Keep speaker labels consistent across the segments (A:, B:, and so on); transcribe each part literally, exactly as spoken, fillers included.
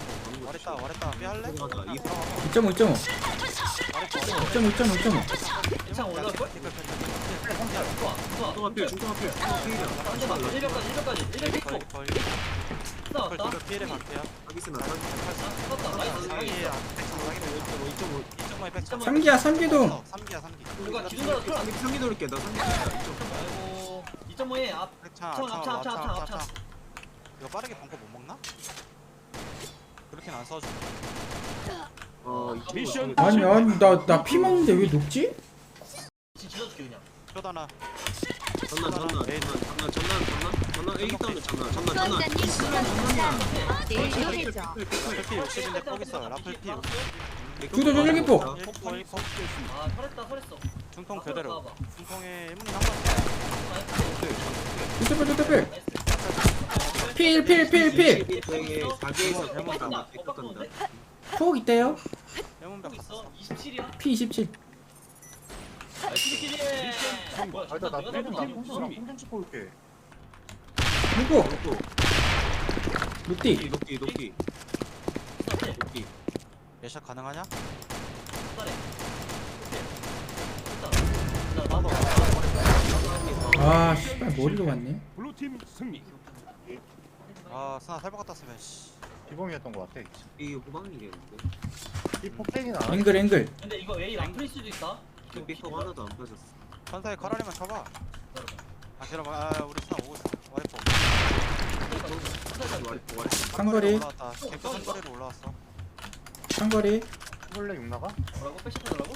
A: 말했다 말했다 삐 할래?
B: 맞아. 이
C: 이 점 오, 이 점 오. 이
A: 말했다
C: 점 오, 이 점 오, 이 점 오.
D: 이창 올라올걸? 좋아 좋아
B: 중통 앞필 중통 앞필 중통 필이야.
D: 한대만 일병까지 일병까지 일병 픽고
A: 거의 거의
D: 나왔다
A: 이거 피해를 갈게요
B: 하기스나
D: 떴다 나이스
A: 상기에
B: 이점오
A: 이쪽만 백점
C: 삼기야, 삼기도.
A: 삼기야 삼기
D: 누가 기둥가로 털 안-
B: 상기 돌릴게. 나 상기
D: 아이고 이 점 오에 앞
A: 백창
D: 앞창, 앞창, 앞창, 앞창, 앞창.
A: 이거 빠르게 벙커 못 먹나? 그렇게는 안 써줘
B: 어
E: 미션
C: 아니, 아니, 나, 나 피 먹는데 왜 녹지?
D: 진짜 지져줄게 그냥
A: 쇼다나
B: 전난 전난 전난 전난 전난 전난 전난 에이 다운에 전난 전난 전난
F: 수원장님 수고하셨습니다. 내일 요해죠.
A: 라플 육십인데 포기 써 라플 피
C: 구도 조절기포.
A: 폭포 일폭
D: 아 털했다 털했어
A: 중통 그대로
D: 나와봐.
A: 중통에 일문이 한번
C: 두터필, 두터필. 필, 필, 필, 필.
B: 사기에서
D: 어,
B: 대만
D: 빡간다.
B: 다
D: 어, 빡간데?
C: 폭 있대요.
A: 일문벽
D: 또
A: 갔어
D: 있어 이십칠이야
C: 피 이십칠.
D: 이십칠이 뭐야
E: 알다 나
D: 내가
E: 빼는
D: 잡았다.
E: 팀 홈좀 찍고 올게.
C: 누구?
B: 높고
C: 루띠.
B: 높기 높기 높기
A: 예샷 가능하냐?
D: star해. 됐다. 나 나도
C: 아, 씨발, 머리로 갔네.
E: 블루팀 승리.
A: 아 스나 살벌 같았으면 씨
E: 기범이었던 것 같아.
B: 이 후방이겠는데
E: 이 폭행이나
C: 앵글, 앵글.
D: 근데 이거 A 랑플일 수도 있다
B: 삐커 하나도 안 빠졌어.
A: 천사에 카라리만 쳐봐 아 기다려봐 아 우리 스나 오고 있어 와이퍼
C: 상거리,
A: 올라왔다 개코 상거리로 올라왔어
C: 상거리.
E: 원래 육나가?
D: 뭐라고? 패시하더라고?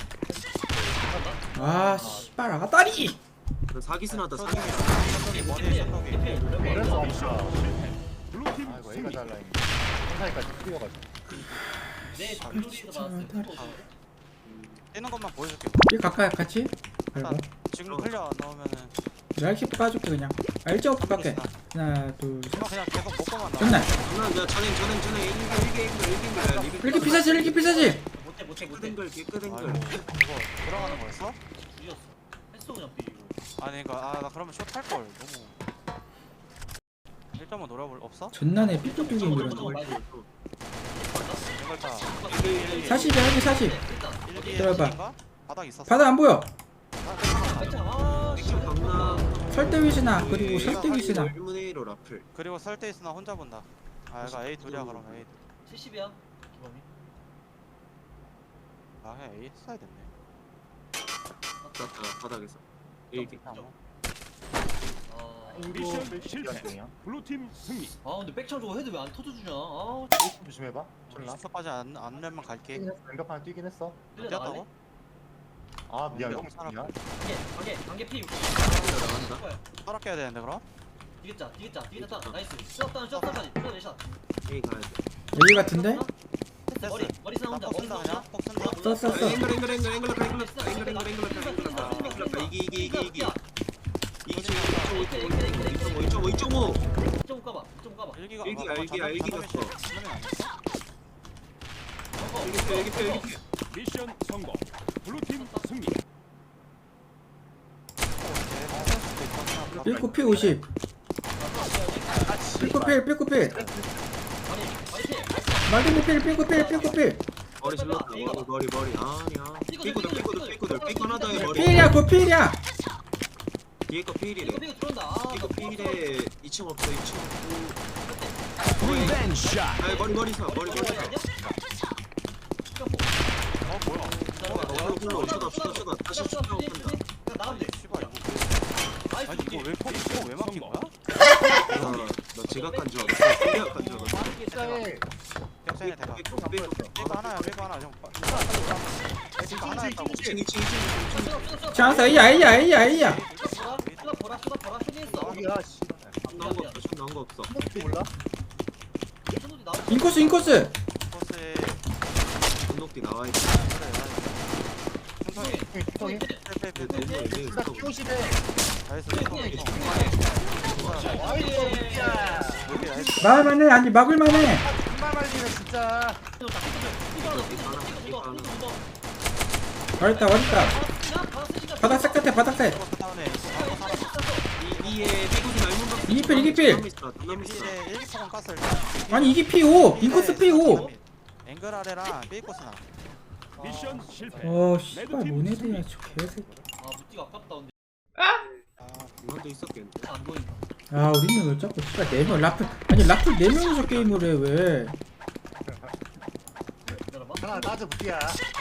C: 아, 씨발, 아다리!
B: 사기스나다 사기.
A: 션덕이 머리에 션덕이
E: 그래서
D: 네.
E: 아까
B: 블루팀
E: 아이고 A가 잘 라인. 천사이까지 뛰어가지고.
D: 내 블루리에서 봤을 때
A: 뛰는 것만 보여줄게
C: 이 가까이 같이? 아이고.
A: 지금 클리어 안 나오면은
C: 랄키 까줄게, 그냥. 아, 일 점 오 가까이. 하나, 둘, 셋.
A: 그냥 계속 먹고만 나와
C: 전날.
B: 전난 야 전행 전행 전행 일개 일개 일개 일개 일개
C: 이렇게 피사지, 이렇게 피사지!
D: 못해 못해 못해
B: 깨끗한 깨끗한
A: 아이고 이거 들어가는 거였어?
D: 줄였어 했어 그냥 삐
A: 아니 이거 아 나 그러면 숏 할걸 너무 일 점은 노려볼 없어?
C: 전난에 삐뚤삐게 밀었네.
A: 이걸 다
C: 사십이야, 여기 사십.
A: 일기에
C: 들어봐.
A: 일기인가? 바닥 있었어
C: 바다 안 보여.
D: 아
B: 액션 강나
C: 설대위시나, 그리고 설대위시나.
B: 일분의 일로 라플.
A: 그리고 설대 있으나 혼자 본다 아 이거 A 둘이야 그럼 A 둘.
D: 칠십이야 기범이
A: 아 그냥 A 써야 됐네
B: 났다 바닥에서 일개.
D: 아
E: 미션 실패. 블루팀 승리.
D: 아 근데 백창 저거 헤드 왜 안 터져주냐 아
E: 조심해봐. 졸라.
A: 수습하지 않, 않으면 갈게
E: 뛰긴 했어. 왼벽 하나 뛰긴 했어.
D: 끌려 나갈래?
A: 뛰었다고?
E: 아 미안
A: 왼벽
E: 형
A: 살아.
E: 미안.
D: 관계 관계 관계 피
B: 나간다.
A: 떨어져야 되는데 그럼?
D: 디귿자 디귿자 디귿자 나이스 슛다운 슛다운까지 슛 내샷
B: A 가야 돼.
C: 여기 같은데?
D: 됐어 머리 머리 쓰나 혼자
A: 나폭
D: 머리
A: 쓴다
D: 쓰나
A: 그냥? 폭 쓴다?
C: 써, 써, 써.
B: 앵글 앵글 앵글 앵글 라플 앵글 라플 앵글 앵글 앵글 라플 앵글 라플 이기 이기 이기 이기 이기 이점오 이점오 이점오
D: 좀 까봐 좀 까봐
A: 일기가
B: 일기야,
A: 아,
B: 일기야,
A: 잠깐,
B: 일기
A: 잠깐
B: 갔어.
A: 잠깐만 잠깐만 안 했어?
B: 일기 펴 일기 펴 일기 펴.
E: 미션 성공. 블루팀 승리.
C: 삐꾸 피 오십. 삐꾸 필, 삐꾸 필. 말든이 필, 삐꾸 필, 삐꾸 필.
B: 머리 질렀다 머리 머리 머리 아니야 삐꾸들 삐꾸들 삐꾸들 삐꾸 하나 더해 머리
C: 필이야, 그 필이야.
B: 뒤에 거 필이래
D: 이거 이거 들어온다 아
B: 이거 필에 이 층 없어 이 층 없고
E: 리벤 샷.
B: 아 머리 머리 사 머리 머리 사
A: 어 뭐야
B: 홀로 홀로 쳐다 쳐다 쳐다 다시 슛하고 한다
D: 나가면 돼
A: 씨발 이거
D: 나이스
A: 아니 이거 왜 폭, 이거 왜 막힌 거야?
B: 나 지각한 줄 알았어 생각한 줄 알았어
E: 숫자에
A: 격전에 대가
B: 삐꾸 삐꾸
A: 삐고 하나야 삐고 하나 좀 삐고 하나 했다고
B: 이 층 이 층 이 층
C: 장사, A야, A야, A야, A야.
D: 보라 보라 보라 보라 보라 쇼니했어
E: 여기야 씨.
B: 나온 거 없어 슛 나온 거 없어
E: 몰라?
D: 쇼노디 나와
C: 인코스, 인코스.
A: 코스에
B: 건너뛰 나와 있어
A: 천천히
E: 형이
A: 빼빼빼빼
E: 딱 피오십에.
A: 나이스 여기 나이스
C: 막을만해, 아니, 막을만해.
E: 정말 말리네 진짜.
C: var했다, var했다. 바닥 색 같아, 바닥 색.
A: 다운에
B: 이 이에 삐꾸지 말문 밖에
C: 이기필 이기필.
B: 담남 있어, 담남 있어.
A: 이제 일기포건 깠어 일단.
C: 아니 이기 피오 빈코스 피오.
A: 앵글 아래랑 삐코스나.
E: 미션 실패.
C: 어 씨발 모네드야 저 개새끼.
D: 아 무티가 아깝다 근데
B: 이것도 있었겠는데.
D: 안 보인다.
C: 아 우리는 왜 자꾸 씨발 네명 라플 아니 라플 네 명이서 게임을 해 왜?
D: 기다려봐.
E: 하나 따져 붙이야.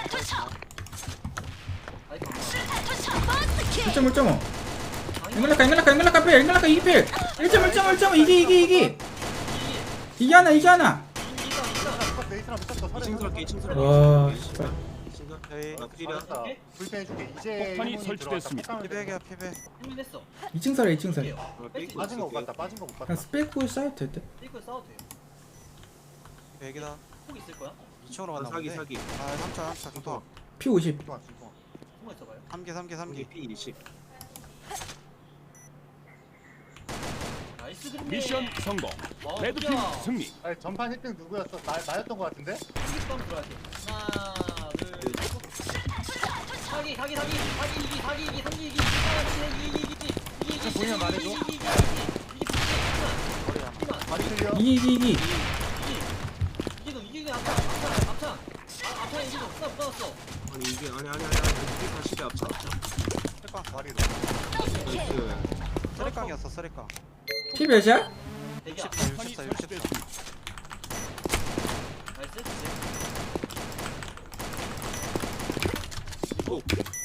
D: 아이 방.
C: 일 점 일 점 오. 앵글라카 앵글라카 앵글라카 필 앵글라카 이기 필. 일 점 일 점 일 점 오 이기 이기 이기. 이기 하나 이기 하나.
E: 네이스랑 붙었어.
B: 이층스럽게 이층스럽게.
C: 와 씨발.
A: 저희
B: 나 필이야.
E: 알았다. 불편해줄게. 이제 폭탄이 일본이 설치됐습니다. 들어왔다.
A: 피백이야 피백.
D: 힘냈어.
C: 이 층 살아 이 층 살아.
E: 빠진 거 못 봤다. 빠진 거 못 봤다.
C: 그냥 스펙고 쌓여도 될 듯.
D: 삐끗 싸워도 돼요.
A: 백이다.
D: 폭 있을 거야?
A: 이 층으로 갔나
B: 사기
A: 본데.
B: 사기.
A: 아 삼 차 삼 차 좋다.
C: 피 오십.
E: 중앙 중앙.
D: 숨어 있어봐요.
A: 삼 개 삼 개 삼 개.
B: 피 이십.
D: 나이스 그림.
E: 미션 성공. 레드팀 승리.
C: 아,
E: 아니 전판 일 등 누구였어? 나 나였던 거 같은데?
D: 한기빵 들어야 돼. 하나, 둘, 셋. 사기, 사기, 사기, 사기, 이기, 사기, 이기, 삼기, 이기, 사기, 이기, 이기, 이기, 이기, 이기,
E: 저 보이면 말해줘.
D: 이기, 이기, 이기, 이기,
A: 머리야.
D: 이기, 이기,
E: 말이 틀려.
C: 이기 이기 이기.
D: 이기동, 이기동, 앞창, 앞창, 앞창. 아, 앞창 이기동, 못 받았어.
B: 아니 이게 아니 아니 아니 아니. 이게 사실이 앞차 앞차.
A: 쓰리깡.
E: 말이로.
B: 나이스.
A: 쓰리깡이었어 쓰리깡.
C: 피 몇이야?
D: 대기야.
A: 육십사
E: 폭탄이
A: 육십사 육십사.
E: 설치됐습니다.
D: 나이스.
B: 오.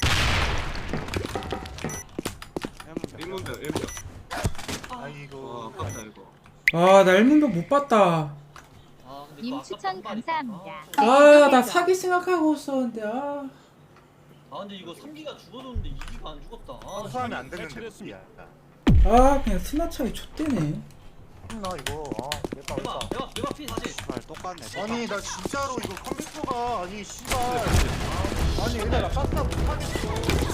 A: 해문병.
B: 일문별 일문별.
E: 아이고.
B: 아 아깝다 이거.
C: 아나 일문병 못 봤다.
D: 아, 근데
F: 님
D: 그거
F: 추천
D: 아깝다, 한
F: 감사합니다.
D: 발이. 아,
C: 아 나 사기 생각하고 있었는데 아.
D: 아, 근데 이거 삼 기가 죽어줬는데 이 기가 안 죽었다. 아,
E: 수하면 안 되는데. 설치됐습니다.
C: 아 그냥 스나 차이 좆대네.
E: 나 이거. 아 내가
D: 대박,
E: 어렵다.
D: 대박, 대박 피 사실.
A: 씨발 똑같네.
E: 아니 나 진짜로 이거 컴퓨터가 아니 씨발 아니 얘들아 나 깜짝 못하겠어.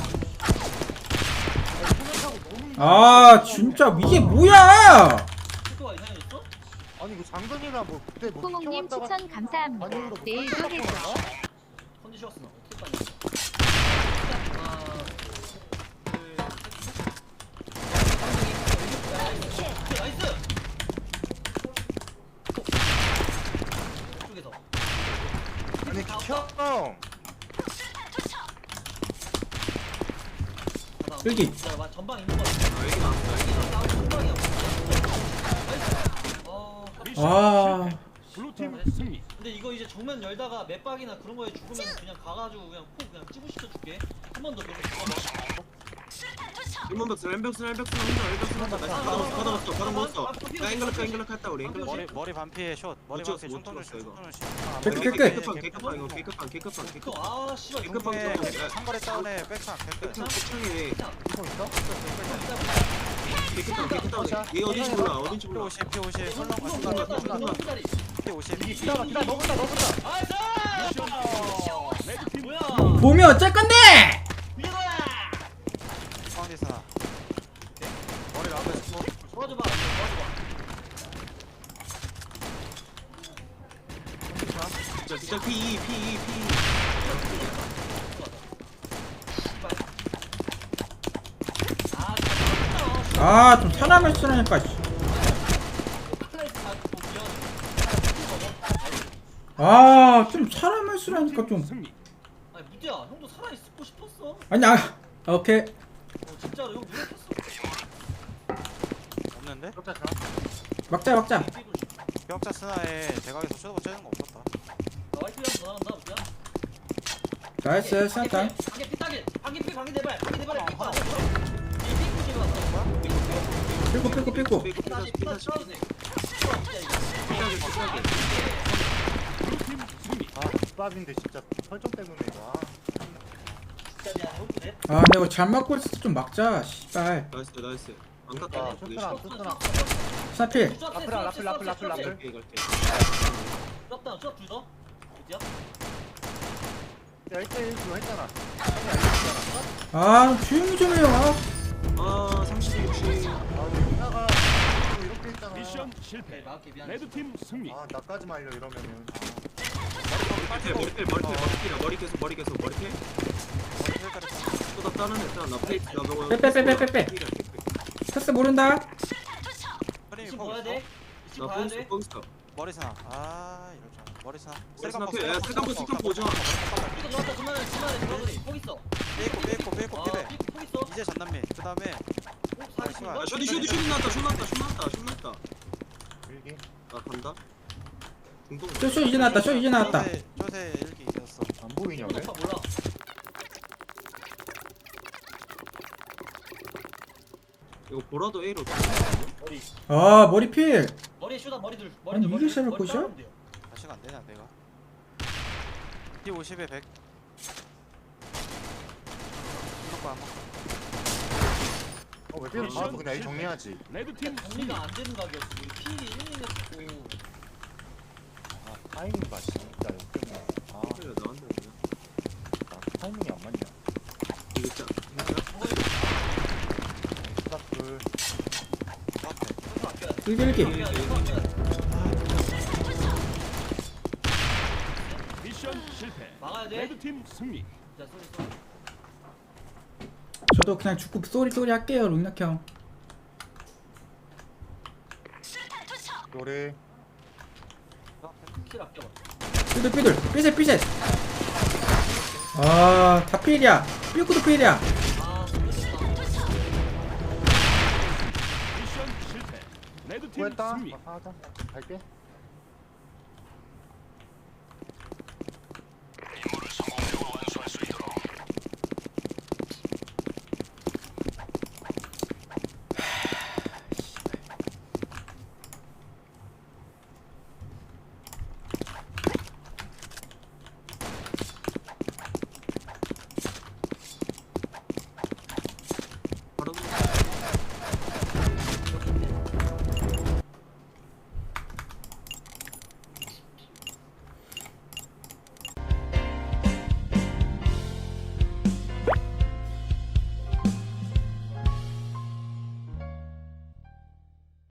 E: 아니, 소면타고 너무
C: 아 진짜 이게 뭐야?
D: 속도가 이상해졌어?
E: 아니 이거 장전이나 뭐 그때 뭐
F: 호몽님
E: 시켜왔다가
F: 추천 감사합니다.
E: 아니면 뭐
F: 내일도
E: 설치가
F: 해줘.
E: 없나?
D: 컨디션스 어떻게 빠냐? 하나, 둘, 셋. 나이스. 이쪽에서.
E: 아니 켜.
C: 여기.
D: 자, 전방 있는 거 같아.
B: 아 여기 나왔어.
D: 여기서 나온 전방이야. 나이스. 어.
E: 미션
C: 아.
E: 실패. 블루팀 승리.
D: 근데 이거 이제 정면 열다가 맵박이나 그런 거에 죽으면 그냥 가가지고 그냥 콕 그냥 찌부시켜 줄게. 한 번 더 계속 죽어봐.
B: 일문벽스 램벽스 램벽스 한다 램벽스 한다. 나이스. 받아먹었어 받아먹었어 받아먹었어. 야 앵글럭 앵글럭 했다 우리 앵글럭.
A: 머리 머리 반피에 숏. 머리
B: 못
A: 반피에
B: 찍었어, 못
A: 중통을
B: 찍었어,
A: 슛.
B: 이거.
A: 중통을 슛.
C: 깨끗, 깨끗.
B: 개급방 개급방 이거 개급방 개급방
D: 또,
B: 개급방.
D: 아 씨발
B: 개급방
A: 중에
B: 좀.
A: 상거리 다운에 백창 백끝.
B: 개급방 개창에
E: 이거 있어?
B: 개급방 개급방. 얘 어딘지 몰라 어딘지
A: 피
B: 몰라.
A: 오십 피 오십. 설렁
B: 어,
A: 설렁 피 오십.
E: 이게 기다려 기다려 너보다 너보다. 레드팀
D: 뭐야?
C: 봄이 어쩔 건데?
D: 이거야!
A: 파운디스나. 머리 라면 스포.
D: 도와줘봐. 도와줘봐.
B: 진짜 진짜 P E P E P E.
D: 아, 진짜
C: 아 좀 사람을 쓰라니까. 씨. 아 좀 사람을 쓰라니까 좀.
E: 승리.
D: 아니 무디야, 형도 살아 있고 싶었어.
C: 아니 아 오케이.
D: 어, 진짜로 형 노력했어.
A: 없는데?
E: 그렇다 자.
C: 막자 막자.
A: 벽자 스나에 대각에서 쇼도버 째는 거 없었다.
D: 나 와이프랑 전화한다, 무디야.
C: 나이스 스나탄.
D: 방개 피타길, 방개 피, 방개 네발, 방개 네발에 삐고 안 돼. 이 삐고 지금 왔어. 뭐야?
C: 삐고 삐고 삐고.
B: 삐꾸
D: 피타지,
B: 삐꾸
D: 피타지,
B: 삐꾸
D: 피타지.
B: 삐꾸 삐꾸.
E: 블루팀 승리. 아 bab인데 진짜 설정 때문에 이거. 아.
D: 진짜 미안해, 형도 돼.
C: 아 내가 잘 맞고 있을 때 좀 막자. 씨발.
B: 나이스 나이스. 안
E: 아
B: 깎아.
E: 쇼트나 쇼트나.
C: 스나필.
E: 라플, 라플, 라플, 라플, 라플.
B: 갈게 갈게.
D: 럽다, 럽 둘 더. 무디야?
E: 야 일 대 일 그거 했잖아.
C: 아 조용히 좀 해요. 아.
B: 아 삼십 육십.
E: 아 근데 누나가 이렇게 했잖아. 미션
D: 오케이,
E: 실패.
D: 막게 미안해.
E: 레드팀 승리. 아 나까지 말려 이러면은.
B: 머리필 머리필 머리필 머리필 머리 계속 머리 계속 머리필.
A: 머리 필 때렸다.
B: 또다 따는 했잖아. 나 페이스 나 저거.
C: 빼, 빼, 빼, 빼, 빼, 빼. 패스 모른다.
D: 이층 봐야 돼. 이층
B: 나
D: 봐야
B: 뻥스터
D: 돼.
B: 뻥스터
A: 머리스나. 아 이럴 줄 알아. 머리스나.
B: 머리스나 피- 야, 세컨 세컨 보자.
D: 이거 넣었다. 중간에 중간에 들어가더니 폭 있어.
A: 삐고 삐고 삐고
D: 아,
A: 삐배.
D: 삐- 폭 있어.
A: 이제 전남미. 그 다음에
D: 폭 사기인가?
B: 야 셔디 셔디 셔디 나왔다 셔 나왔다 셔 나왔다 셔 나왔다
E: 일기.
B: 나 간다 중동
C: 쇼, 쇼 이제 나왔다. 쇼 이제 나왔다.
A: 조세 조세 일기 있었어.
E: 안 보이냐 왜?
D: 오빠 몰라.
B: 이거 보라도 A로
D: 머리.
C: 아 머리 필.
D: 머리에 슈다 머리 둘. 머리
C: 아니,
D: 둘.
C: 이게
D: 머리
C: 샤를
D: 머리
C: 컷이야?
D: 자르면 돼요.
A: 다시가 안 되냐 내가. 피 오십에 백. 이거 봐.
E: 어왜 삐를 봐서 그냥 A 정리하지.
G: 레드팀
D: 정리가 안 되는 가격이 피 일 일 했고.
E: 아 타이밍 봐 진짜 역겹네. 아
B: 그래 나한테 그냥
E: 나 타이밍이 안 맞냐.
B: 이거 진짜
E: 딱 둘.
A: 앞에.
D: 이거 아껴야 돼.
C: 일기 일기.
D: 이거 아껴야 돼.
G: 미션 실패.
D: 막아야 돼.
G: 레드팀 승리.
D: 자, 쏘리 쏘리.
C: 저도 그냥 죽고 쏘리 쏘리 할게요 룬낙 형.
E: 노래.
D: 킬 아껴봐.
C: 삐들 삐들 삐셋 삐셋. 아다 필이야. 삐꾸도 필이야.
D: 아, 됐다.
G: 미션 실패. 레드팀
E: 구했다.
G: 승리.
E: 아, 하자. 갈게.